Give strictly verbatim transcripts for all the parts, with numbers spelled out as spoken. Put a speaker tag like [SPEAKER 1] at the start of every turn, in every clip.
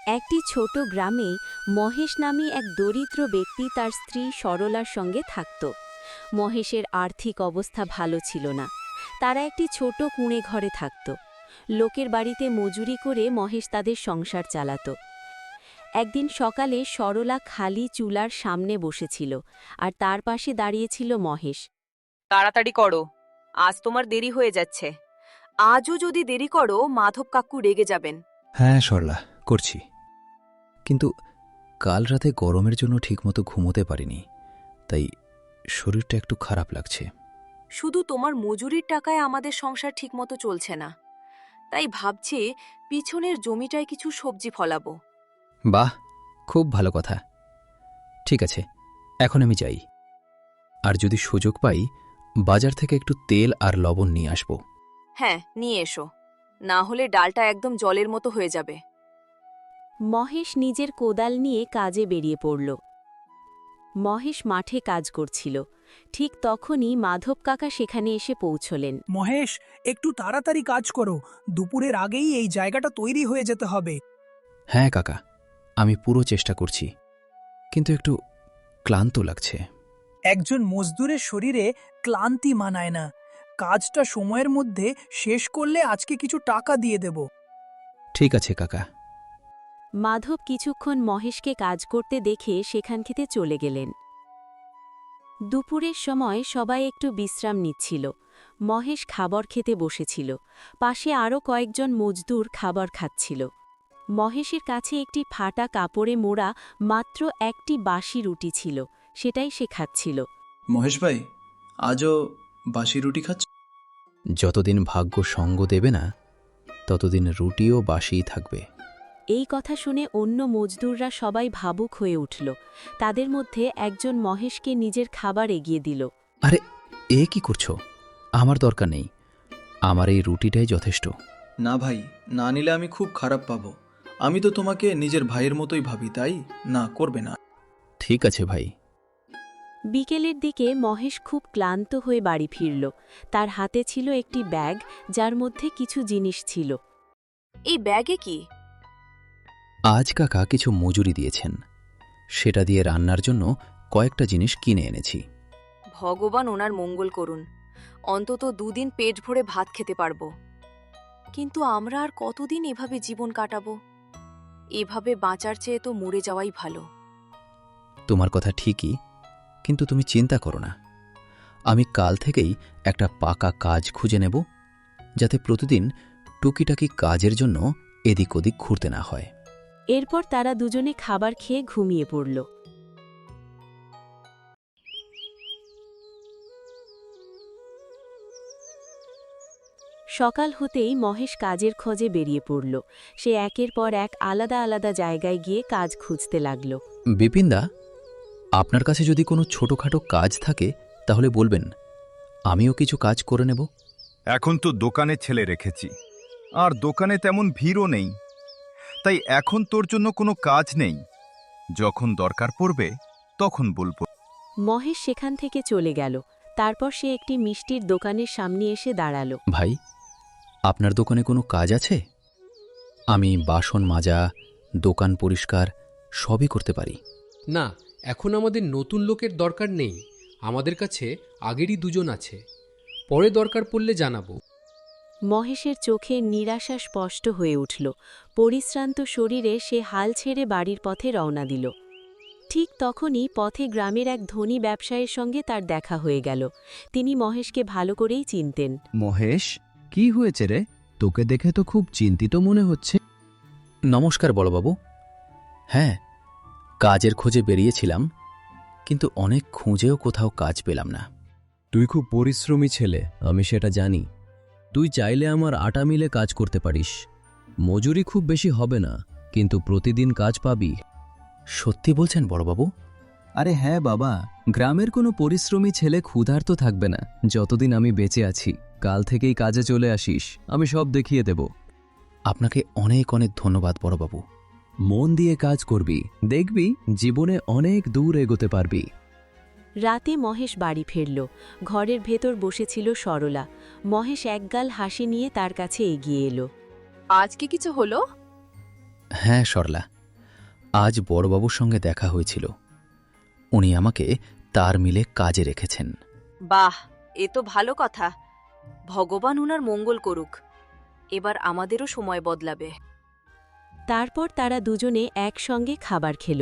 [SPEAKER 1] একটি ছোট গ্রামে মহেশ নামী এক দরিদ্র ব্যক্তি তার স্ত্রী সরলার সঙ্গে থাকত। মহেশের আর্থিক অবস্থা ভালো ছিল না। তারা একটি ছোট কুঁড়ে ঘরে থাকত। লোকের বাড়িতে মজুরি করে মহেশ তাদের সংসার চালাত। একদিন সকালে সরলা খালি চুলার সামনে বসেছিল, আর তার পাশে দাঁড়িয়েছিল মহেশ।
[SPEAKER 2] তাড়াতাড়ি করো, আজ তোমার দেরি হয়ে যাচ্ছে। আজও যদি দেরি করো মাধব কাকু রেগে যাবেন।
[SPEAKER 3] হ্যাঁ সরলা, করছি। কিন্তু কাল রাতে গরমের জন্য ঠিকমতো ঘুমোতে পারিনি, তাই শরীরটা একটু খারাপ লাগছে।
[SPEAKER 2] শুধু তোমার মজুরির টাকায় আমাদের সংসার ঠিকমতো চলছে না, তাই ভাবছি পিছনের জমিটায় কিছু সবজি ফলাবো।
[SPEAKER 3] বাহ, খুব ভালো কথা। ঠিক আছে, এখন আমি যাই। আর যদি সুযোগ পাই বাজার থেকে একটু তেল আর লবণ নিয়ে আসব।
[SPEAKER 2] হ্যাঁ, নিয়ে এসো, না হলে ডালটা একদম জলের মতো হয়ে যাবে।
[SPEAKER 1] মহেশ নিজের কোদাল নিয়ে কাজে বেরিয়ে পড়ল। মহেশ মাঠে কাজ করছিল। ঠিক তখনই মাধব কাকা সেখানে এসে পৌঁছলেন।
[SPEAKER 4] মহেশ, একটু তাড়াতাড়ি কাজ করো, দুপুরের আগেই এই জায়গাটা তৈরি হয়ে যেতে হবে।
[SPEAKER 3] হ্যাঁ কাকা, আমি পুরো চেষ্টা করছি, কিন্তু একটু ক্লান্ত লাগছে।
[SPEAKER 4] একজন মজদুরের শরীরে ক্লান্তি মানায় না। কাজটা সময়ের মধ্যে শেষ করলে আজকে কিছু টাকা দিয়ে দেব।
[SPEAKER 3] ঠিক আছে কাকা।
[SPEAKER 1] মাধব কিছুক্ষণ মহেশকে কাজ করতে দেখে সেখান থেকে চলে গেলেন। দুপুরের সময় সবাই একটু বিশ্রাম নিচ্ছিল। মহেশ খাবার খেতে বসেছিল। পাশে আরও কয়েকজন মজদুর খাবার খাচ্ছিল। মহেশের কাছে একটি ফাটা কাপড়ে মোড়া মাত্র একটি বাসি রুটি ছিল, সেটাই সে খাচ্ছিল।
[SPEAKER 5] মহেশ ভাই, আজও বাসি রুটি খাচ্ছ?
[SPEAKER 3] যতদিন ভাগ্য সঙ্গ দেবে না ততদিন রুটিও বাসিই থাকবে।
[SPEAKER 1] এই কথা শুনে অন্য মজদুররা সবাই ভাবুক হয়ে উঠল। তাদের মধ্যে একজন মহেশকে নিজের খাবার এগিয়ে দিল।
[SPEAKER 3] আরে, এ কি করছো? আমার দরকার নেই, আমার এই রুটিটাই যথেষ্ট।
[SPEAKER 5] না ভাই, না নিলে আমি খুব খারাপ পাবো। আমি তো তোমাকে নিজের ভাইয়ের মতোই ভাবি, তাই না, করবে না।
[SPEAKER 3] ঠিক আছে ভাই।
[SPEAKER 1] বিকেলের দিকে মহেশ খুব ক্লান্ত হয়ে বাড়ি ফিরল। তার হাতে ছিল একটি ব্যাগ, যার মধ্যে কিছু জিনিস ছিল।
[SPEAKER 2] এই ব্যাগে কি?
[SPEAKER 3] আজ কাকা কিছু মজুরি দিয়েছেন, সেটা দিয়ে রান্নার জন্য কয়েকটা জিনিস কিনে এনেছি।
[SPEAKER 2] ভগবান ওনার মঙ্গল করুন, অন্তত দুদিন পেট ভরে ভাত খেতে পারবো। কিন্তু আমরা আর কতদিন এভাবে জীবন কাটাবো? এভাবে বাঁচার চেয়ে তো মরে যাওয়াই ভালো।
[SPEAKER 3] তোমার কথা ঠিকই, কিন্তু তুমি চিন্তা করো না। আমি কাল থেকেই একটা পাকা কাজ খুঁজে নেব, যাতে প্রতিদিন টুকিটাকি কাজের জন্য এদিক ওদিক ঘুরতে না হয়।
[SPEAKER 1] এরপর তারা দুজনে খাবার খেয়ে ঘুমিয়ে পড়ল। সকাল হতেই মহেশ কাজের খোঁজে বেরিয়ে পড়ল। সে একের পর এক আলাদা আলাদা জায়গায় গিয়ে কাজ খুঁজতে লাগল।
[SPEAKER 3] বিপিনদা, আপনার কাছে যদি কোনো ছোটখাটো কাজ থাকে তাহলে বলবেন, আমিও কিছু কাজ করে নেব।
[SPEAKER 6] এখন তো দোকানে ছেলে রেখেছি, আর দোকানে তেমন ভিড়ও নেই, তাই এখন তোর জন্য কোনো কাজ নেই। যখন দরকার পড়বে তখন বলবো।
[SPEAKER 1] মহেশ সেখান থেকে চলে গেল। তারপর সে একটি মিষ্টির দোকানের সামনে এসে দাঁড়াল।
[SPEAKER 3] ভাই, আপনার দোকানে কোনো কাজ আছে? আমি বাসন মাজা, দোকান পরিষ্কার সবই করতে পারি।
[SPEAKER 7] না, এখন আমাদের নতুন লোকের দরকার নেই। আমাদের কাছে আগেরই দুজন আছে, পরে দরকার পড়লে জানাবো।
[SPEAKER 1] মহেশের চোখে নিরাশা স্পষ্ট হয়ে উঠল। পরিশ্রান্ত শরীরে সে হাল ছেড়ে বাড়ির পথে রওনা দিল। ঠিক তখনই পথে গ্রামের এক ধনী ব্যবসায়ীর সঙ্গে তার দেখা হয়ে গেল। তিনি মহেশকে ভালো করেই চিনতেন।
[SPEAKER 8] মহেশ, কি হয়েছে রে? তোকে দেখে তো খুব চিন্তিত মনে হচ্ছে।
[SPEAKER 3] নমস্কার বড়বাবু। হ্যাঁ, কাজের খোঁজে বেরিয়েছিলাম, কিন্তু অনেক খুঁজেও কোথাও কাজ পেলাম না।
[SPEAKER 8] তুই খুব পরিশ্রমী ছেলে, আমি সেটা জানি। তুই চাইলে আমার আটা মিলে কাজ করতে পারিস। মজুরি খুব বেশি হবে না, কিন্তু প্রতিদিন কাজ পাবি।
[SPEAKER 3] সত্যি বলছেন বড়বাবু?
[SPEAKER 8] আরে হ্যাঁ বাবা, গ্রামের কোনো পরিশ্রমী ছেলে ক্ষুধার্ত থাকবে না যতদিন আমি বেঁচে আছি। কাল থেকেই কাজে চলে আসিস, আমি সব দেখিয়ে দেব।
[SPEAKER 3] আপনাকে অনেক অনেক ধন্যবাদ বড়বাবু।
[SPEAKER 8] মন দিয়ে কাজ করবি, দেখবি জীবনে অনেক দূর এগোতে পারবি।
[SPEAKER 1] রাতে মহেশ বাড়ি ফিরল। ঘরের ভেতর বসেছিল সরলা। মহেশ একগাল হাসি নিয়ে তার কাছে এগিয়ে এলো।
[SPEAKER 2] আজকে কিছু হলো?
[SPEAKER 3] হ্যাঁ সরলা, আজ বড়বাবুর সঙ্গে দেখা হয়েছিল। উনি আমাকে তার মিলে কাজে রেখেছেন।
[SPEAKER 2] বাহ, এ তো ভালো কথা। ভগবান উনার মঙ্গল করুক। এবার আমাদেরও সময় বদলাবে।
[SPEAKER 1] তারপর তারা দুজনে একসঙ্গে খাবার খেল।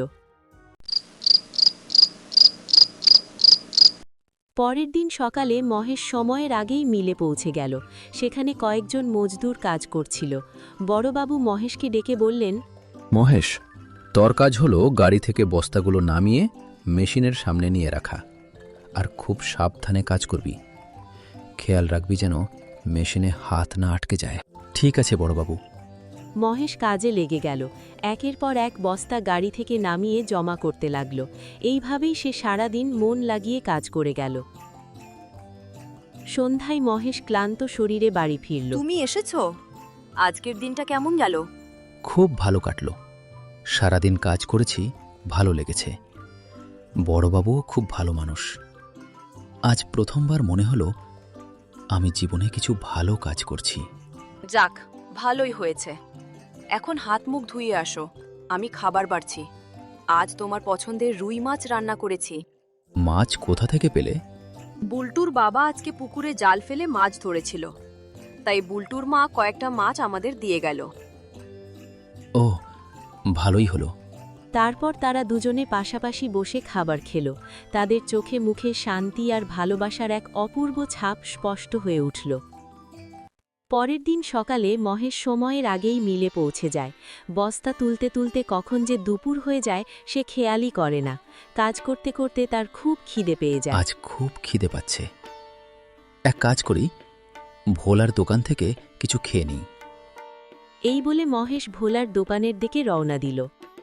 [SPEAKER 1] পরের দিন সকালে মহেশ সময়ের আগেই মিলে পৌঁছে গেল। সেখানে কয়েকজন মজদুর কাজ করছিল। বড়বাবু মহেশকে ডেকে বললেন,
[SPEAKER 3] মহেশ, তোর কাজ হলো গাড়ি থেকে বস্তাগুলো নামিয়ে মেশিনের সামনে নিয়ে রাখা, আর খুব সাবধানে কাজ করবি। খেয়াল রাখবি যেন মেশিনে হাত না আটকে যায়। ঠিক আছে বড়বাবু।
[SPEAKER 1] মহেশ কাজে লেগে গেল। একের পর এক বস্তা গাড়ি থেকে নামিয়ে জমা করতে লাগল। এইভাবেই সে সারাদিন মন লাগিয়ে কাজ করে গেল। সন্ধ্যায় মহেশ ক্লান্ত শরীরে বাড়ি ফিরল।
[SPEAKER 2] তুমি এসেছো? আজকের দিনটা কেমন গেল?
[SPEAKER 3] খুব ভালো কাটল। সারাদিন কাজ করেছি, ভালো লেগেছে। বড়বাবুও খুব ভালো মানুষ। আজ প্রথমবার মনে হলো আমি জীবনে কিছু ভালো কাজ করছি।
[SPEAKER 2] যাক, ভালোই হয়েছে। এখন হাত মুখ ধুয়ে আসো, আমি খাবার বাড়ছি। আজ তোমার পছন্দের রুই মাছ রান্না করেছি।
[SPEAKER 3] মাছ কোথা থেকে পেলে?
[SPEAKER 2] বুলটুর বাবা আজকে পুকুরে জাল ফেলে মাছ ধরেছিল, তাই বুলটুর মা কয়েকটা মাছ আমাদের দিয়ে গেল।
[SPEAKER 3] ও, ভালোই হলো।
[SPEAKER 1] তারপর তারা দুজনে পাশাপাশি বসে খাবার খেল। তাদের চোখে মুখে শান্তি আর ভালোবাসার এক অপূর্ব ছাপ স্পষ্ট হয়ে উঠল। পরের দিন সকালে মহেশ সময়ের আগেই মিলে পৌঁছে যায়। বস্তা তুলতে তুলতে কখন যে দুপুর হয়ে যায় সে খেয়ালই করে না। কাজ করতে করতে তার খুব খিদে পেয়ে যায়।
[SPEAKER 3] আজ খুব খিদে পাচ্ছে। এক কাজ করি, ভোলার দোকান থেকে কিছু খেয়ে নিই।
[SPEAKER 1] এই বলে মহেশ ভোলার দোকানের দিকে রওনা দিল।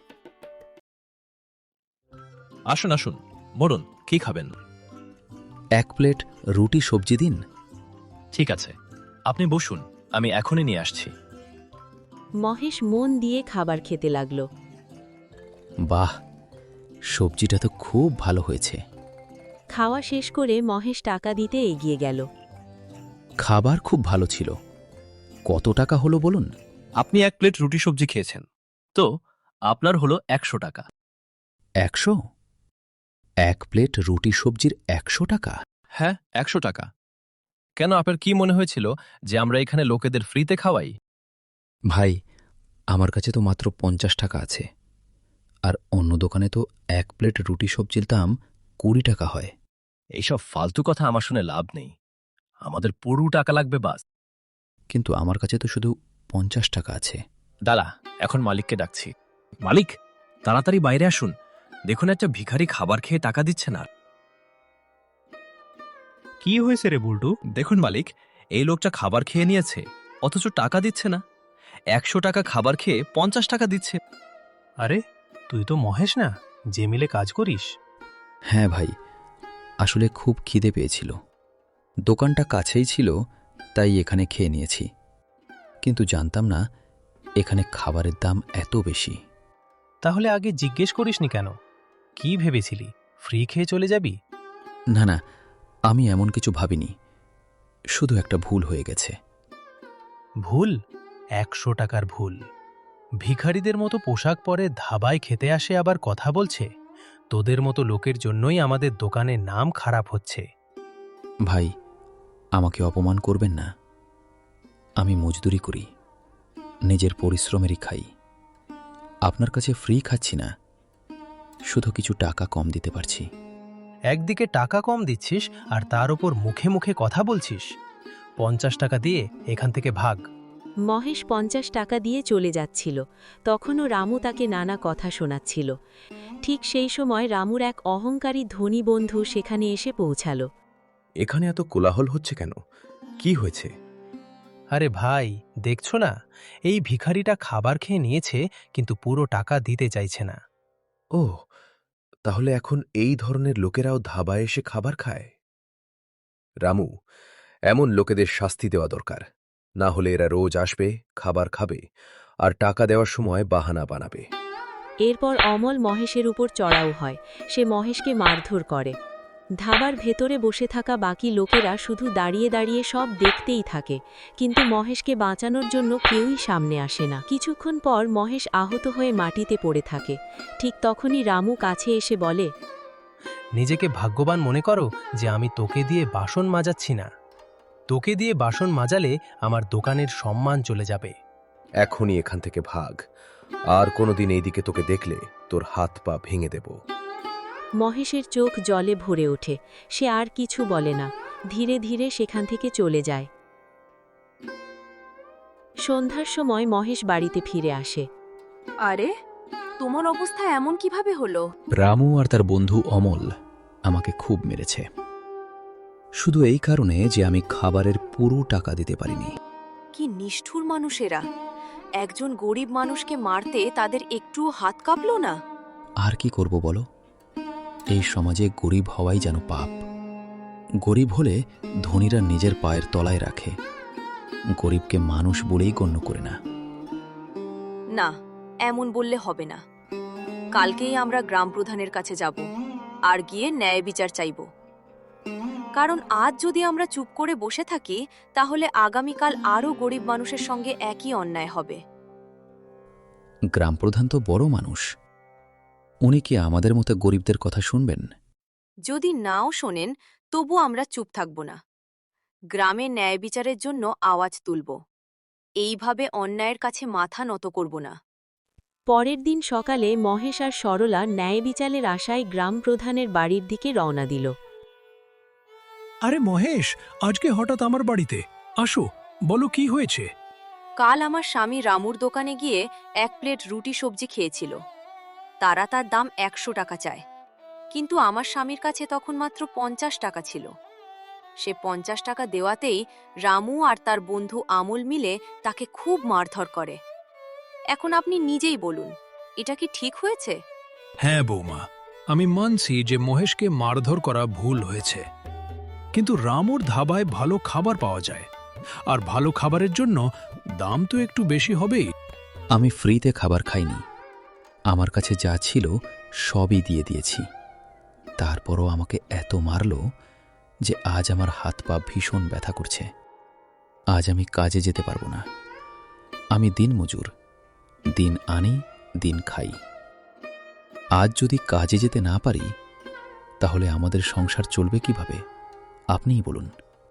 [SPEAKER 9] আসুন আসুন, বলুন কি খাবেন?
[SPEAKER 3] এক প্লেট রুটি সবজি দিন।
[SPEAKER 9] ঠিক আছে, আপনি বসুন, আমি এখনই নিয়ে আসছি।
[SPEAKER 1] মহেশ মন দিয়ে খাবার খেতে লাগল।
[SPEAKER 3] বাহ, সবজিটা তো খুব ভালো হয়েছে।
[SPEAKER 1] খাওয়া শেষ করে মহেশ টাকা দিতে এগিয়ে গেল।
[SPEAKER 3] খাবার খুব ভালো ছিল। কত টাকা হলো বলুন?
[SPEAKER 9] আপনি এক প্লেট রুটি সবজি খেয়েছেন, তো আপনার হলো একশো টাকা।
[SPEAKER 3] একশো? এক প্লেট রুটি সবজির একশো টাকা?
[SPEAKER 9] হ্যাঁ, একশো টাকা। কেন, আপনার কি মনে হয়েছিল যে আমরা এখানে লোকেদের ফ্রিতে খাওয়াই?
[SPEAKER 3] ভাই, আমার কাছে তো মাত্র পঞ্চাশ টাকা আছে, আর অন্য দোকানে তো এক প্লেট রুটি সবজির দাম কুড়ি টাকা হয়।
[SPEAKER 9] এইসব ফালতু কথা আমার শুনে লাভ নেই। আমাদের পুরো টাকা লাগবে বাস।
[SPEAKER 3] কিন্তু আমার কাছে তো শুধু পঞ্চাশ টাকা আছে।
[SPEAKER 9] দাঁড়া, এখন মালিককে ডাকছি। মালিক, তাড়াতাড়ি বাইরে আসুন, দেখুন একটা ভিখারি খাবার খেয়ে টাকা দিচ্ছে না।
[SPEAKER 10] কি হয়েছে রে বুল্টু?
[SPEAKER 9] দেখুন মালিক, এই লোকটা খাবার খেয়ে নিয়েছে, অথচ টাকা দিচ্ছে না। একশো টাকা খাবার খেয়ে পঞ্চাশ টাকা দিচ্ছে।
[SPEAKER 10] আরে, তুই তো মহেশ না, যে মিলে কাজ করিস?
[SPEAKER 3] হ্যাঁ ভাই, আসলে খুব খিদে পেয়েছিল। দোকানটা কাছেই ছিল, তাই এখানে খেয়ে নিয়েছি। কিন্তু জানতাম না এখানে খাবারের দাম এত বেশি।
[SPEAKER 10] তাহলে আগে জিজ্ঞেস করিসনি কেন? কি ভেবেছিলি, ফ্রি খেয়ে চলে যাবি?
[SPEAKER 3] না না, আমি এমন কিছু ভাবিনি। শুধু একটা ভুল হয়ে গেছে।
[SPEAKER 10] ভুল? একশো টাকার ভুল? ভিখারিদের মতো পোশাক পরে ধাবায় খেতে আসে আবার কথা বলছে? তোদের মতো লোকের জন্যই আমাদের দোকানের নাম খারাপ হচ্ছে।
[SPEAKER 3] ভাই, আমাকে অপমান করবেন না। আমি মজদুরি করি, নিজের পরিশ্রমেরই খাই। আপনার কাছে ফ্রি খাচ্ছি না, শুধু কিছু টাকা কম দিতে পারছি।
[SPEAKER 10] একদিকে টাকা কম দিচ্ছিস আর তার ওপর মুখে মুখে কথা বলছিস। পঞ্চাশ টাকা দিয়ে এখান থেকে ভাগ।
[SPEAKER 1] মহেশ পঞ্চাশ টাকা দিয়ে চলে যাচ্ছিল। তখনও রামু তাকে নানা কথা শোনাচ্ছিল। ঠিক সেই সময় রামুর এক অহংকারী ধনী বন্ধু সেখানে এসে পৌঁছাল।
[SPEAKER 11] এখানে এত কোলাহল হচ্ছে কেন? কি হয়েছে?
[SPEAKER 10] আরে ভাই, দেখছো না, এই ভিখারিটা খাবার খেয়ে নিয়েছে কিন্তু পুরো টাকা দিতে চাইছে না।
[SPEAKER 11] ও, তাহলে এখন এই ধরনের লোকেরাও ধাবায় এসে খাবার খায়? রামু, এমন লোকেদের শাস্তি দেওয়া দরকার, না হলে এরা রোজ আসবে, খাবার খাবে, আর টাকা দেওয়ার সময় বাহানা বানাবে।
[SPEAKER 1] এরপর অমল মহেশের উপর চড়াও হয়। সে মহেশকে মারধর করে। ধাবার ভেতরে বসে থাকা বাকি লোকেরা শুধু দাঁড়িয়ে দাঁড়িয়ে সব দেখতেই থাকে, কিন্তু মহেশকে বাঁচানোর জন্য কেউই সামনে আসে না। কিছুক্ষণ পর মহেশ আহত হয়ে মাটিতে পড়ে থাকে। ঠিক তখনই রামু কাছে এসে বলে,
[SPEAKER 10] নিজেকে ভাগ্যবান মনে করো যে আমি তোকে দিয়ে বাসন মাজাচ্ছি না। তোকে দিয়ে বাসন মাজালে আমার দোকানের সম্মান চলে যাবে।
[SPEAKER 11] এখনই এখান থেকে ভাগ, আর কোনোদিন এইদিকে তোকে দেখলে তোর হাত পা ভেঙে দেব।
[SPEAKER 1] মহেশের চোখ জলে ভরে ওঠে। সে আর কিছু বলে না, ধীরে ধীরে সেখান থেকে চলে যায়। সন্ধ্যার সময় মহেশ বাড়িতে ফিরে আসে।
[SPEAKER 2] আরে, তোমার অবস্থা এমন কিভাবে হলো?
[SPEAKER 3] রামু আর তার বন্ধু অমল আমাকে খুব মেরেছে, শুধু এই কারণে যে আমি খাবারের পুরো টাকা দিতে পারিনি।
[SPEAKER 2] কি নিষ্ঠুর মানুষেরা! একজন গরিব মানুষকে মারতে তাদের একটুও হাত কাঁপলো না?
[SPEAKER 3] আর কি করব বলো, এই সমাজে গরিব হওয়াই যেন পাপ। গরিব হলে ধনীরা নিজের পায়ের তলায় রাখে, গরিবকে মানুষ বলেই গণ্য করে না।
[SPEAKER 2] না, এমন বললে হবে না। কালকেই আমরা গ্রাম প্রধানের কাছে যাব আর গিয়ে ন্যায় বিচার চাইব। কারণ আজ যদি আমরা চুপ করে বসে থাকি, তাহলে আগামীকাল আরও গরিব মানুষের সঙ্গে একই অন্যায় হবে।
[SPEAKER 3] গ্রাম প্রধান তো বড় মানুষ, উনি কি আমাদের মতো গরিবদের কথা শুনবেন?
[SPEAKER 2] যদি নাও শোনেন, তবু আমরা চুপ থাকব না। গ্রামে ন্যায় বিচারের জন্য আওয়াজ তুলব। এইভাবে অন্যায়ের কাছে মাথা নত করব না।
[SPEAKER 1] পরের দিন সকালে মহেশ আর সরলা ন্যায় বিচারের আশায় গ্রাম প্রধানের বাড়ির দিকে রওনা দিল।
[SPEAKER 4] আরে মহেশ, আজকে হঠাৎ আমার বাড়িতে আসো, বলো কি হয়েছে?
[SPEAKER 2] কাল আমার স্বামী রামুর দোকানে গিয়ে এক প্লেট রুটি সবজি খেয়েছিল। তারা তার দাম একশো টাকা চায়, কিন্তু আমার স্বামীর কাছে তখন মাত্র পঞ্চাশ টাকা ছিল। সে পঞ্চাশ টাকা দেওয়াতেই রামু আর তার বন্ধু আমল মিলে তাকে খুব মারধর করে। এখন আপনি নিজেই বলুন, এটা কি ঠিক হয়েছে?
[SPEAKER 12] হ্যাঁ বৌমা, আমি মানছি যে মহেশকে মারধর করা ভুল হয়েছে, কিন্তু রামুর ধাবায় ভালো খাবার পাওয়া যায়, আর ভালো খাবারের জন্য দাম তো একটু বেশি হবেই।
[SPEAKER 3] আমি ফ্রিতে খাবার খাইনি, আমার কাছে যা ছিল সবই দিয়ে দিয়েছি। তারপরও আমাকে এত মারল যে আজ আমার হাত পা ভীষণ ব্যথা করছে। আজ আমি কাজে যেতে পারবো না। আমি দিনমজুর, দিন আনি দিন খাই। আজ যদি কাজে যেতে না পারি, তাহলে আমাদের সংসার চলবে কিভাবে আপনিই বলুন।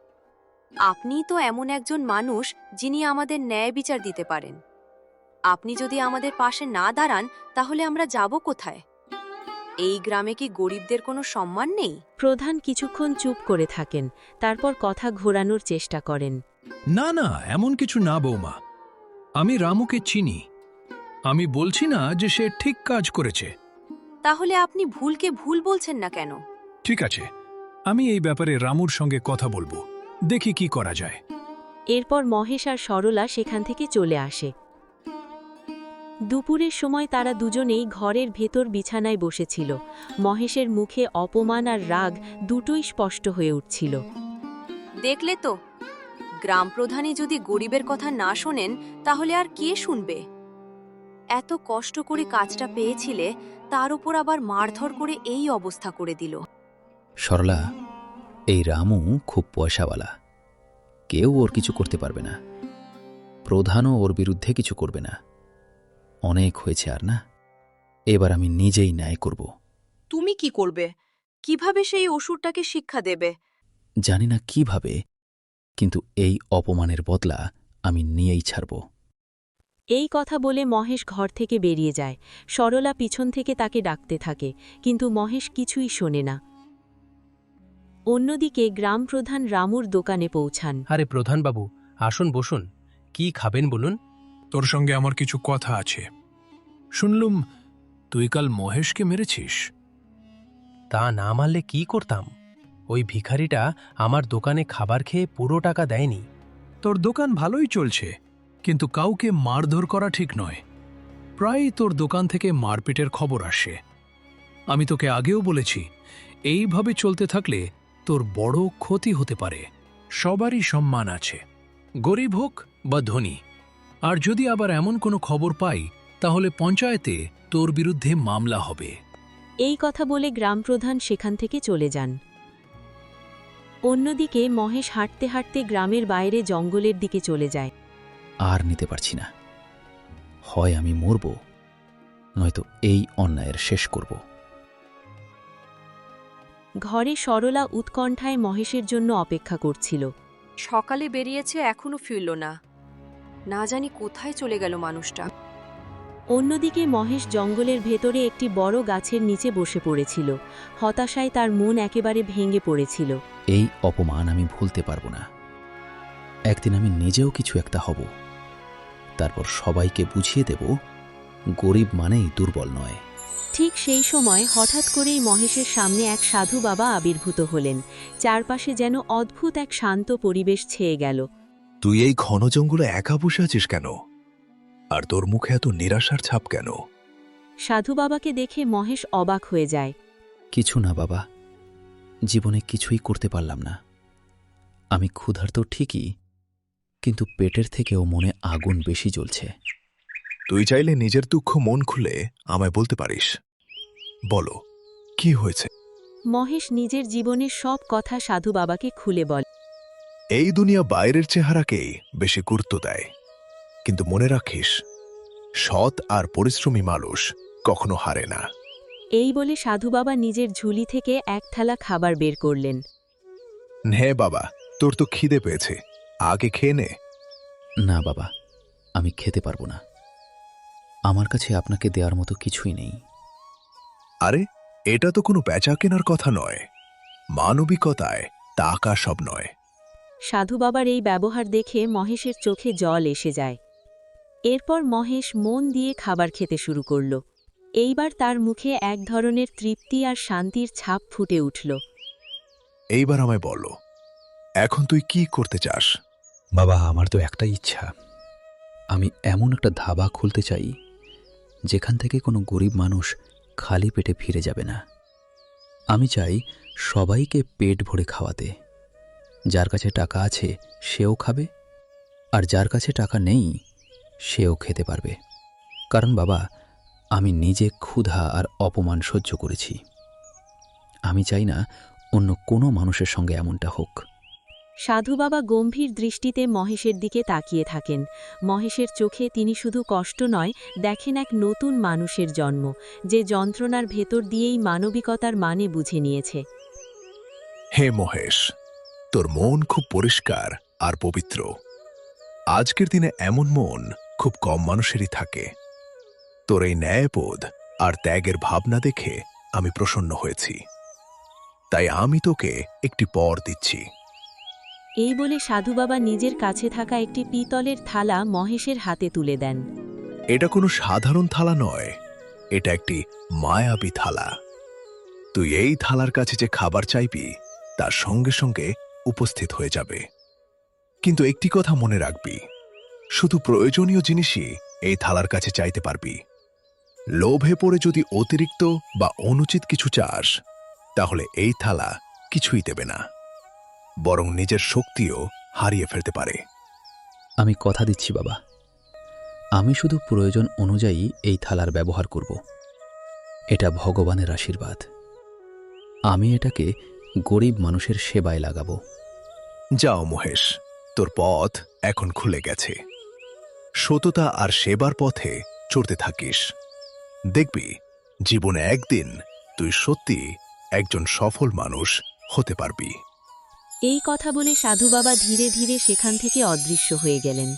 [SPEAKER 2] আপনিই তো এমন একজন মানুষ যিনি আমাদের ন্যায় বিচার দিতে পারেন। আপনি যদি আমাদের পাশে না দাঁড়ান, তাহলে আমরা যাব কোথায়? এই গ্রামে কি গরিবদের কোনো সম্মান নেই?
[SPEAKER 1] প্রধান কিছুক্ষণ চুপ করে থাকেন, তারপর কথা ঘোরানোর চেষ্টা করেন।
[SPEAKER 12] না না, এমন কিছু না বৌমা, আমি রামুকে চিনি। আমি বলছি না যে সে ঠিক কাজ করেছে।
[SPEAKER 2] তাহলে আপনি ভুলকে ভুল বলছেন না কেন?
[SPEAKER 12] ঠিক আছে, আমি এই ব্যাপারে রামুর সঙ্গে কথা বলবো, দেখি কি করা যায়।
[SPEAKER 1] এরপর মহেশ আর সরলা সেখান থেকে চলে আসে। দুপুরের সময় তারা দুজনেই ঘরের ভেতর বিছানায় বসেছিল। মহেশের মুখে অপমান আর রাগ দুটোই স্পষ্ট হয়ে উঠছিল।
[SPEAKER 2] দেখলে তো, গ্রাম প্রধানই যদি গরিবের কথা না শোনেন, তাহলে আর কে শুনবে? এত কষ্ট করে কাজটা পেয়েছিলে, তার উপর আবার মারধর করে এই অবস্থা করে দিল।
[SPEAKER 3] সরলা, এই রামু খুব পয়সাওয়ালা, কেউ ওর কিছু করতে পারবে না। প্রধানও ওর বিরুদ্ধে কিছু করবে না। অনেক হয়েছে আর না, এবার আমি নিজেই ন্যায় করব।
[SPEAKER 2] তুমি কি করবে? কিভাবে সেই অসুরটাকে শিক্ষা দেবে?
[SPEAKER 3] জানি না কিভাবে, কিন্তু এই অপমানের বদলা আমি নিয়েই ছাড়ব।
[SPEAKER 1] এই কথা বলে মহেশ ঘর থেকে বেরিয়ে যায়। সরলা পিছন থেকে তাকে ডাকতে থাকে, কিন্তু মহেশ কিছুই শোনে না। অন্যদিকে গ্রাম প্রধান রামুর দোকানে পৌঁছান।
[SPEAKER 10] আরে প্রধানবাবু, আসুন বসুন। কি খাবেন বলুন?
[SPEAKER 12] তোর সঙ্গে আমার কিছু কথা আছে। শুনলুম তুই কাল মহেশকে মেরেছিস।
[SPEAKER 10] তা না মারলে কি করতাম? ওই ভিখারিটা আমার দোকানে খাবার খেয়ে পুরো টাকা দেয়নি।
[SPEAKER 12] তোর দোকান ভালোই চলছে, কিন্তু কাউকে মারধর করা ঠিক নয়। প্রায়ই তোর দোকান থেকে মারপিটের খবর আসে। আমি তোকে আগেও বলেছি, এইভাবে চলতে থাকলে তোর বড় ক্ষতি হতে পারে। সবারই সম্মান আছে, গরিব হোক বা ধনী। আর যদি আবার এমন কোনো খবর পাই, তাহলে পঞ্চায়েতে তোর বিরুদ্ধে মামলা হবে।
[SPEAKER 1] এই কথা বলে গ্রাম প্রধান সেখান থেকে চলে যান। অন্যদিকে মহেশ হাঁটতে হাঁটতে গ্রামের বাইরে জঙ্গলের দিকে চলে যায়।
[SPEAKER 3] আর নিতে পারছি না, হয় আমি মরব, নয়তো এই অন্যায়ের শেষ করব।
[SPEAKER 1] ঘরে সরলা উৎকণ্ঠায় মহেশের জন্য অপেক্ষা করছিল।
[SPEAKER 2] সকালে বেরিয়েছে, এখনো ফিরল না। না জানি কোথায় চলে গেল মানুষটা।
[SPEAKER 1] অন্যদিকে মহেশ জঙ্গলের ভেতরে একটি বড় গাছের নিচে বসে পড়েছিল। হতাশায় তার মন একেবারে ভেঙে পড়েছিল।
[SPEAKER 3] এই অপমান আমি ভুলতে পারব না। একদিন আমি নিজেও কিছু একটা হব, তারপর সবাইকে বুঝিয়ে দেব গরিব মানেই দুর্বল নয়।
[SPEAKER 1] ঠিক সেই সময় হঠাৎ করেই মহেশের সামনে এক সাধু বাবা আবির্ভূত হলেন। চারপাশে যেন অদ্ভুত এক শান্ত পরিবেশ ছেয়ে গেল।
[SPEAKER 13] তুই এই ঘন জঙ্গলে একা বসে আছিস কেন? আর তোর মুখে এত নিরাশার ছাপ কেন?
[SPEAKER 1] সাধু বাবাকে দেখে মহেশ অবাক হয়ে যায়।
[SPEAKER 3] কিছু না বাবা, জীবনে কিছুই করতে পারলাম না। আমি ক্ষুধার্ত ঠিকই, কিন্তু পেটের থেকেও মনে আগুন বেশি জ্বলছে।
[SPEAKER 13] তুই চাইলে নিজের দুঃখ মন খুলে আমায় বলতে পারিস। বলো, কি হয়েছে?
[SPEAKER 1] মহেশ নিজের জীবনের সব কথা সাধু বাবাকে খুলে বলে।
[SPEAKER 13] এই দুনিয়া বাইরের চেহারাকেই বেশি গুরুত্ব দেয়, কিন্তু মনে রাখিস, সৎ আর পরিশ্রমী মানুষ কখনো হারে না।
[SPEAKER 1] এই বলে সাধু বাবা নিজের ঝুলি থেকে এক থালা খাবার বের করলেন।
[SPEAKER 13] নে বাবা, তোর তো খিদে পেয়েছে, আগে খেয়ে নে।
[SPEAKER 3] না বাবা, আমি খেতে পারবো না। আমার কাছে আপনাকে দেওয়ার মতো কিছুই নেই।
[SPEAKER 13] আরে, এটা তো কোনো বেচা কেনার কথা নয়। মানবিকতায় টাকা সব নয়।
[SPEAKER 1] সাধু বাবার এই ব্যবহার দেখে মহেশের চোখে জল এসে যায়। এরপর মহেশ মন দিয়ে খাবার খেতে শুরু করল। এইবার তার মুখে এক ধরনের তৃপ্তি আর শান্তির ছাপ ফুটে উঠল।
[SPEAKER 13] এইবার আমায় বলো, এখন তুই কি করতে চাস?
[SPEAKER 3] বাবা, আমার তো একটাই ইচ্ছা। আমি এমন একটা ধাবা খুলতে চাই যেখান থেকে কোনো গরিব মানুষ খালি পেটে ফিরে যাবে না। আমি চাই সবাইকে পেট ভরে খাওয়াতে। যার কাছে টাকা আছে সেও খাবে, আর যার কাছে টাকা নেই সেও খেতে পারবে। কারণ বাবা, আমি নিজে ক্ষুধা আর অপমান সহ্য করেছি। আমি চাই না অন্য কোনো মানুষের সঙ্গে এমনটা হোক।
[SPEAKER 1] সাধু বাবা গম্ভীর দৃষ্টিতে মহেশের দিকে তাকিয়ে থাকেন। মহেশের চোখে তিনি শুধু কষ্ট নয়, দেখেন এক নতুন মানুষের জন্ম, যে যন্ত্রণার ভেতর দিয়েই মানবিকতার মানে বুঝে নিয়েছে।
[SPEAKER 13] হে মহেশ, তোর মন খুব পরিষ্কার আর পবিত্র। আজকের দিনে এমন মন খুব কম মানুষেরই থাকে। তোর এই ন্যায়বোধ আর ত্যাগের ভাবনা দেখে আমি প্রসন্ন হয়েছি। তাই আমি তোকে একটি পর দিচ্ছি।
[SPEAKER 1] এই বলে সাধু বাবা নিজের কাছে থাকা একটি পিতলের থালা মহেশের হাতে তুলে দেন।
[SPEAKER 13] এটা কোনো সাধারণ থালা নয়, এটা একটি মায়াবী থালা। তুই এই থালার কাছে যে খাবার চাইবি তার সঙ্গে সঙ্গে উপস্থিত হয়ে যাবে। কিন্তু একটি কথা মনে রাখবি, শুধু প্রয়োজনীয় জিনিসই এই থালার কাছে চাইতে পারবি। লোভে পড়ে যদি অতিরিক্ত বা অনুচিত কিছু চাস, তাহলে এই থালা কিছুই দেবে না, বরং নিজের শক্তিও হারিয়ে ফেলতে পারে।
[SPEAKER 3] আমি কথা দিচ্ছি বাবা, আমি শুধু প্রয়োজন অনুযায়ী এই থালার ব্যবহার করব। এটা ভগবানের আশীর্বাদ। আমি এটাকে গরিব মানুষের সেবায় লাগাবো।
[SPEAKER 13] যাও মহেশ, তোর পথ এখন খুলে গেছে। সততা আর সেবার পথে চড়তে থাকিস। দেখবি, জীবনে একদিন তুই সত্যি একজন সফল মানুষ হতে পারবি।
[SPEAKER 1] এই কথা বলে সাধু বাবা ধীরে ধীরে সেখান থেকে অদৃশ্য হয়ে গেলেন।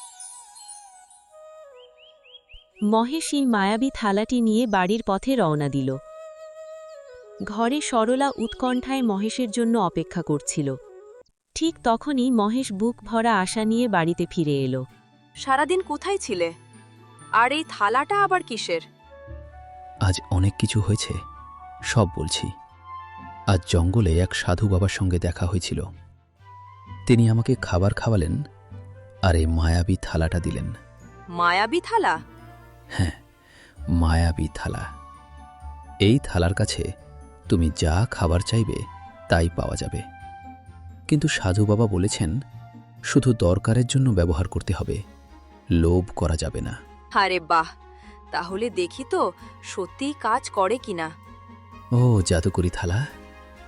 [SPEAKER 1] মহেশ এই মায়াবী থালাটি নিয়ে বাড়ির পথে রওনা দিল। ঘরে সরলা উৎকণ্ঠায় মহেশের জন্য অপেক্ষা করছিল। ঠিক তখনই মহেশ বুক ভরা আশা নিয়ে বাড়িতে ফিরে এলো।
[SPEAKER 2] সারাদিন কোথায় ছিলে? আর এই থালাটা আবার কিসের?
[SPEAKER 3] আজ অনেক কিছু হয়েছে, সব বলছি। আজ জঙ্গলে এক সাধু বাবার সঙ্গে দেখা হয়েছিল। তিনি আমাকে খাবার খাওয়ালেন আর এই মায়াবী থালাটা দিলেন।
[SPEAKER 2] মায়াবী থালা?
[SPEAKER 3] হ্যাঁ, মায়াবী থালা। এই থালার কাছে তুমি যা খাবার চাইবে তাই পাওয়া যাবে। কিন্তু সাধু বাবা বলেছেন, শুধু দরকারের জন্য ব্যবহার করতে হবে, লোভ করা যাবে না।
[SPEAKER 2] আরে বাহ, তাহলে দেখি তো সত্যিই কাজ করে কিনা।
[SPEAKER 3] ও জাদুকরি থালা,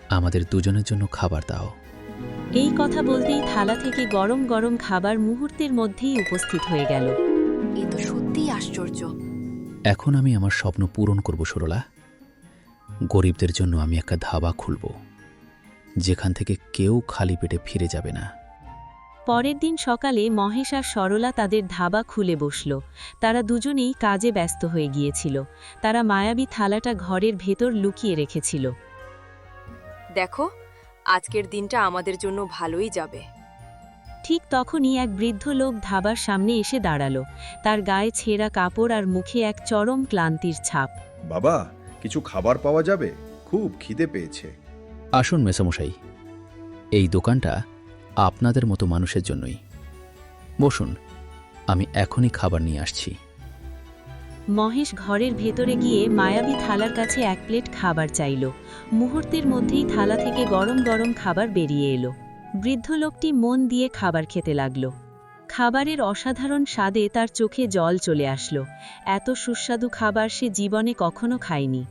[SPEAKER 3] আমাদের দুজনের জন্য খাবার দাও।
[SPEAKER 1] এই কথা বলতেই থালা থেকে গরম গরম খাবার মুহূর্তের মধ্যেই উপস্থিত হয়ে গেল।
[SPEAKER 2] এ তো সত্যিই আশ্চর্য।
[SPEAKER 3] এখন আমি আমার স্বপ্ন পূরণ করব সরলা। গরিবদের জন্য আমি একটা ধাবা খুলব, যেখান থেকে কেউ খালি পেটে ফিরে যাবে না।
[SPEAKER 1] পরের দিন সকালে মহেশ আর সরলা তাদের ধাবা খুলে বসল। তারা দুজনেই কাজে ব্যস্ত হয়ে গিয়েছিল। তারা মায়াবী থালাটা ঘরের ভেতর লুকিয়ে রেখেছিল।
[SPEAKER 2] দেখো, আজকের দিনটা আমাদের জন্য ভালোই যাবে।
[SPEAKER 1] ঠিক তখনই এক বৃদ্ধ লোক ধাবার সামনে এসে দাঁড়ালো। তার গায়ে ছেঁড়া কাপড় আর মুখে এক চরম ক্লান্তির ছাপ।
[SPEAKER 14] বাবা, কিছু খাবার পাওয়া যাবে? খুব খিদে পেয়েছে।
[SPEAKER 3] আসুন মেসামশাই, এই দোকানটা আপনাদের মতো মানুষের জন্যই। বসুন, আমি এখনই খাবার নিয়ে আসছি।
[SPEAKER 1] মহেশ ঘরের ভেতরে গিয়ে মায়াবী থালার কাছে এক প্লেট খাবার চাইল। মুহূর্তের মধ্যেই থালা থেকে গরম গরম খাবার বেরিয়ে এলো। বৃদ্ধ লোকটি মন দিয়ে খাবার খেতে লাগল। খাবারের অসাধারণ স্বাদে তার চোখে জল চলে আসলো। এত সুস্বাদু খাবার সে জীবনে কখনো খায়নি।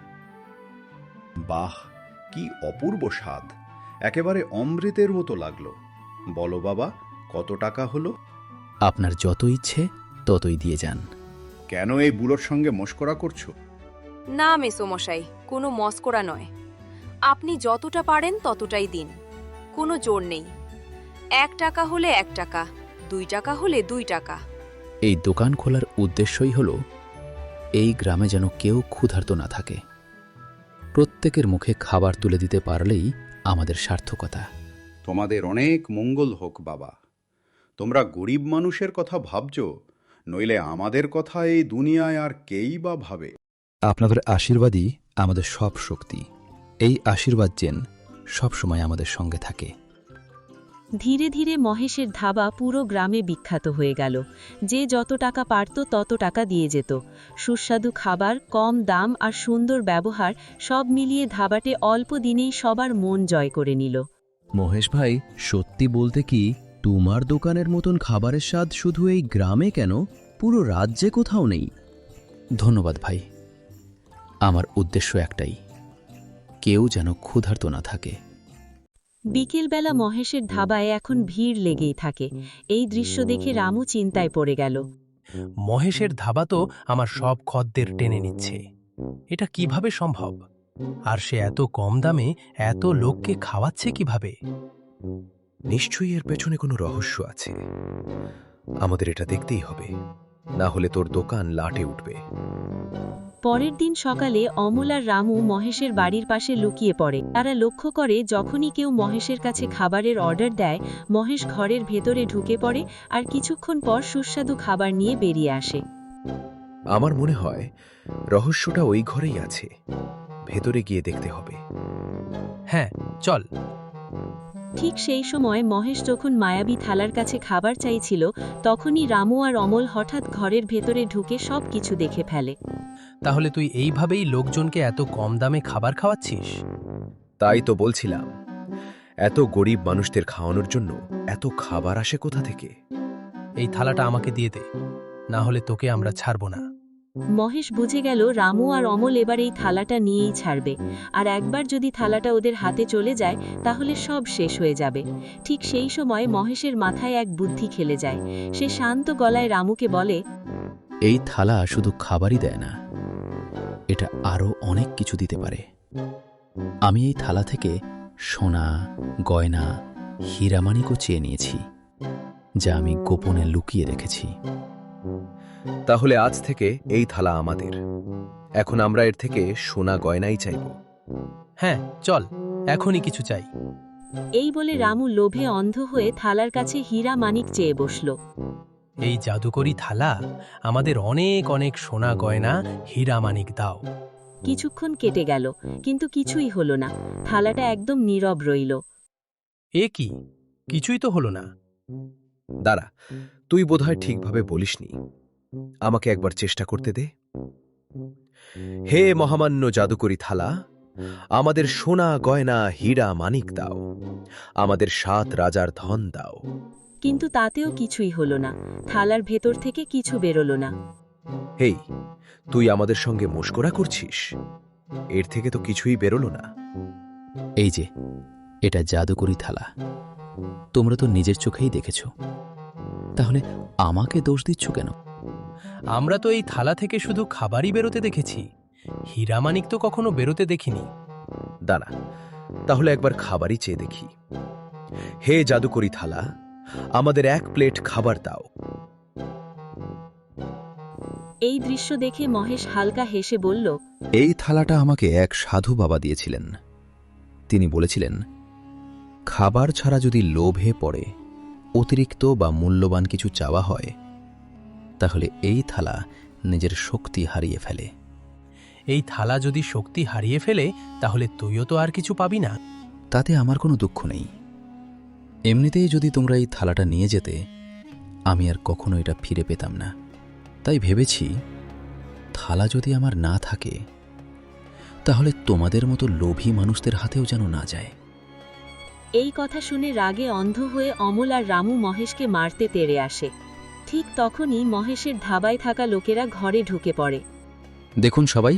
[SPEAKER 14] বাহ, কি অপূর্ব স্বাদ! একেবারে অমৃতের মতো লাগলো। বলো বাবা, কত টাকা হলো?
[SPEAKER 3] আপনার যত ইচ্ছে ততই দিয়ে যান।
[SPEAKER 14] কেন এই বুড়োর সঙ্গে মশকরা করছো?
[SPEAKER 2] না মেসোমশাই, কোনো মস্করা নয়। আপনি যতটা পারেন ততটাই দিন, কোনো জোর নেই। এক টাকা হলে এক টাকা, দুই টাকা হলে দুই টাকা।
[SPEAKER 3] এই দোকান খোলার উদ্দেশ্যই হল এই গ্রামে যেন কেউ ক্ষুধার্ত না থাকে। প্রত্যেকের মুখে খাবার তুলে দিতে পারলেই আমাদের সার্থকতা।
[SPEAKER 14] তোমাদের অনেক মঙ্গল হোক বাবা। তোমরা গরিব মানুষের কথা ভাবছো, নইলে আমাদের কথা এই দুনিয়ায় আর কেই বা ভাবে।
[SPEAKER 3] আপনাদের আশীর্বাদই আমাদের সব শক্তি। এই আশীর্বাদ যেন সবসময় আমাদের সঙ্গে থাকে।
[SPEAKER 1] ধীরে ধীরে মহেশের ধাবা পুরো গ্রামে বিখ্যাত হয়ে গেল। যে যত টাকা পারত তত টাকা দিয়ে যেত। সুস্বাদু খাবার, কম দাম আর সুন্দর ব্যবহার সব মিলিয়ে ধাবাটে অল্প দিনেই সবার মন জয় করে নিল।
[SPEAKER 8] মহেশ ভাই, সত্যি বলতে কি, তোমার দোকানের মতন খাবারের স্বাদ শুধু এই গ্রামে কেন, পুরো রাজ্যে কোথাও নেই।
[SPEAKER 3] ধন্যবাদ ভাই। আমার উদ্দেশ্য একটাই, কেউ যেন ক্ষুধার্ত না থাকে।
[SPEAKER 1] বিকেলবেলা মহেশের ধাবায় এখন ভিড় লেগেই থাকে। এই দৃশ্য দেখে রামু চিন্তায় পড়ে গেল।
[SPEAKER 10] মহেশের ধাবা তো আমার সব খদ্দের টেনে নিচ্ছে। এটা কিভাবে সম্ভব? আর সে এত কম দামে এত লোককে খাওয়াচ্ছে কিভাবে?
[SPEAKER 11] নিশ্চয়ই এর পেছনে কোনো রহস্য আছে। আমাদের এটা দেখতেই হবে, না হলে তোর দোকান লাটে উঠবে।
[SPEAKER 1] পরের দিন সকালে অমল আর রামু মহেশের বাড়ির পাশে লুকিয়ে পড়ে। তারা লক্ষ্য করে যখনই কেউ মহেশের কাছে খাবারের অর্ডার দেয়, মহেশ ঘরের ভেতরে ঢুকে পড়ে আর কিছুক্ষণ পর সুস্বাদু খাবার নিয়ে বেরিয়ে আসে।
[SPEAKER 11] আমার মনে হয় রহস্যটা ওই ঘরেই আছে। ভেতরে গিয়ে দেখতে হবে।
[SPEAKER 10] হ্যাঁ, চল।
[SPEAKER 1] ঠিক সেই সময় মহেশ যখন মায়াবী থালার কাছে খাবার চাইছিল, তখনই রামু আর অমল হঠাৎ ঘরের ভেতরে ঢুকে সব কিছু দেখে ফেলে।
[SPEAKER 10] তাহলে তুই এইভাবেই লোকজনকে এত কম দামে খাবার খাওয়াচ্ছিস?
[SPEAKER 11] তাই তো বলছিলাম, এত গরিব মানুষদের খাওয়ানোর জন্য এত খাবার আসে কোথা থেকে?
[SPEAKER 10] এই থালাটা আমাকে দিয়ে দে, না হলে তোকে আমরা ছাড়ব না।
[SPEAKER 1] মহেশ বুঝে গেল রামু আর অমল এবার এই থালাটা নিয়েই ছাড়বে, আর একবার যদি থালাটা ওদের হাতে চলে যায় তাহলে সব শেষ হয়ে যাবে। ঠিক সেই সময় মহেশের মাথায় এক বুদ্ধি খেলে যায়। সে শান্ত গলায় রামুকে বলে,
[SPEAKER 3] এই থালা শুধু খাবারই দেয় না, এটা আরও অনেক কিছু দিতে পারে। আমি এই থালা থেকে সোনা, গয়না, হীরামানিকও চেয়ে নিয়েছি, যা আমি গোপনে লুকিয়ে রেখেছি।
[SPEAKER 11] তাহলে আজ থেকে এই থালা আমাদের। এখন আমরা এর থেকে সোনা গয়নাই চাইব।
[SPEAKER 10] হ্যাঁ, চল, এখনই কিছু চাই।
[SPEAKER 1] এই বলে রামু লোভে অন্ধ হয়ে থালার কাছে হীরা মানিক চেয়ে বসল।
[SPEAKER 10] এই জাদুকরি থালা আমাদের অনেক অনেক সোনা গয়না, হীরা মানিক দাও।
[SPEAKER 1] কিছুক্ষণ কেটে গেল, কিন্তু কিছুই হলো না। থালাটা একদম নীরব রইল।
[SPEAKER 10] এ কি, কিছুই তো হলো না।
[SPEAKER 11] দাঁড়া, তুই বোধহয় ঠিকভাবে বলিসনি। আমাকে একবার চেষ্টা করতে দে। হে মহামান্য জাদুকরি থালা, আমাদের সোনা গয়না, হীরা মানিক দাও। আমাদের সাত রাজার ধন দাও।
[SPEAKER 1] কিন্তু তাতেও কিছুই হলো না। থালার ভেতর থেকে কিছু বেরোলো না।
[SPEAKER 11] হেই, তুই আমাদের সঙ্গে মশকরা করছিস? এর থেকে তো কিছুই বেরোলো না।
[SPEAKER 3] এই যে এটা জাদুকরি থালা, তোমরা তো নিজের চোখেই দেখেছ, তাহলে আমাকে দোষ দিচ্ছ কেন?
[SPEAKER 10] আমরা তো এই থালা থেকে শুধু খাবারই বেরোতে দেখেছি, হীরামানিক তো কখনো বেরোতে দেখিনি।
[SPEAKER 11] দাঁড়া, তাহলে একবার খাবারই চেয়ে দেখি। হে জাদুকরি থালা, আমাদের এক প্লেট খাবার দাও।
[SPEAKER 1] এই দৃশ্য দেখে মহেশ হালকা হেসে বলল,
[SPEAKER 3] এই থালাটা আমাকে এক সাধু বাবা দিয়েছিলেন। তিনি বলেছিলেন, খাবার ছাড়া যদি লোভে পড়ে অতিরিক্ত বা মূল্যবান কিছু চাওয়া হয়, তাহলে এই থালা নিজের শক্তি হারিয়ে ফেলে।
[SPEAKER 10] এই থালা যদি শক্তি হারিয়ে ফেলে, তাহলে তুইও তো আর কিছু পাবি না।
[SPEAKER 3] তাতে আমার কোনো দুঃখ নেই। এমনিতেই যদি তোমরা এই থালাটা নিয়ে যেতে, আমি আর কখনো এটা ফিরে পেতাম না। তাই ভেবেছি, থালা যদি আমার না থাকে, তাহলে তোমাদের মতো লোভী মানুষদের হাতেও যেন না যায়।
[SPEAKER 1] এই কথা শুনে রাগে অন্ধ হয়ে অমল আর রামু মহেশকে মারতে তেড়ে আসে। ঠিক তখনই মহেশের ধাবায় থাকা লোকেরা ঘরে ঢুকে পড়ে।
[SPEAKER 3] দেখুন সবাই,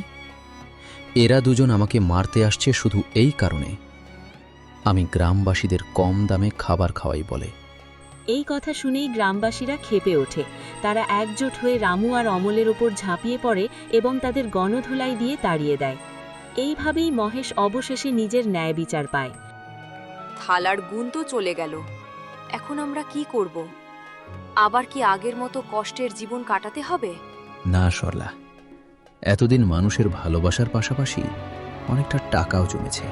[SPEAKER 3] এরা দুজন আমাকে মারতে আসছে শুধু এই কারণে আমি গ্রামবাসীদের কম দামে খাবার খাওয়াই বলে।
[SPEAKER 1] এই কথা শুনেই গ্রামবাসীরা ক্ষেপে ওঠে। তারা একজোট হয়ে রামু আর অমলের ওপর ঝাঁপিয়ে পড়ে এবং তাদের গণধোলাই দিয়ে তাড়িয়ে দেয়। এইভাবেই মহেশ অবশেষে নিজের ন্যায় বিচার পায়।
[SPEAKER 2] থালার গুণ তো চলে গেল, এখন আমরা কি করব? আবার কি আগের মতো কষ্টের জীবন কাটাতে হবে?
[SPEAKER 3] না সরলা, এতদিন মানুষের ভালোবাসার পাশাপাশি অনেকটা টাকাও জমেছে।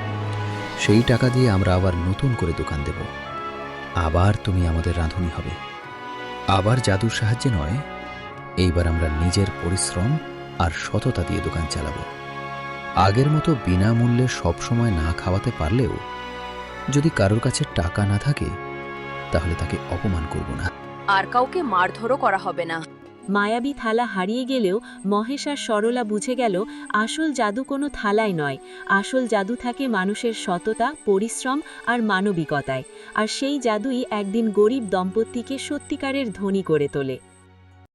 [SPEAKER 3] সেই টাকা দিয়ে আমরা আবার নতুন করে দোকান দেব। আবার তুমি আমাদের রাঁধুনি হবে। আবার জাদুর সাহায্যে নয়, এইবার আমরা নিজের পরিশ্রম আর সততা দিয়ে দোকান চালাব। আগের মতো বিনামূল্যে সবসময় না খাওয়াতে পারলেও যদি কারোর কাছে টাকা না থাকে, তাহলে তাকে অপমান করব না।
[SPEAKER 2] আর কাউকে মারধরও করা হবে না।
[SPEAKER 1] মায়াবী থালা হারিয়ে গেলেও মহেশ আর সরলা বুঝে গেল, আসল জাদু কোনো থালায় নয়, আসল জাদু থাকে মানুষের সততা, পরিশ্রম আর মানবিকতায়। আর সেই জাদুই একদিন গরিব দম্পতিকে সত্যিকারের ধনী করে তোলে।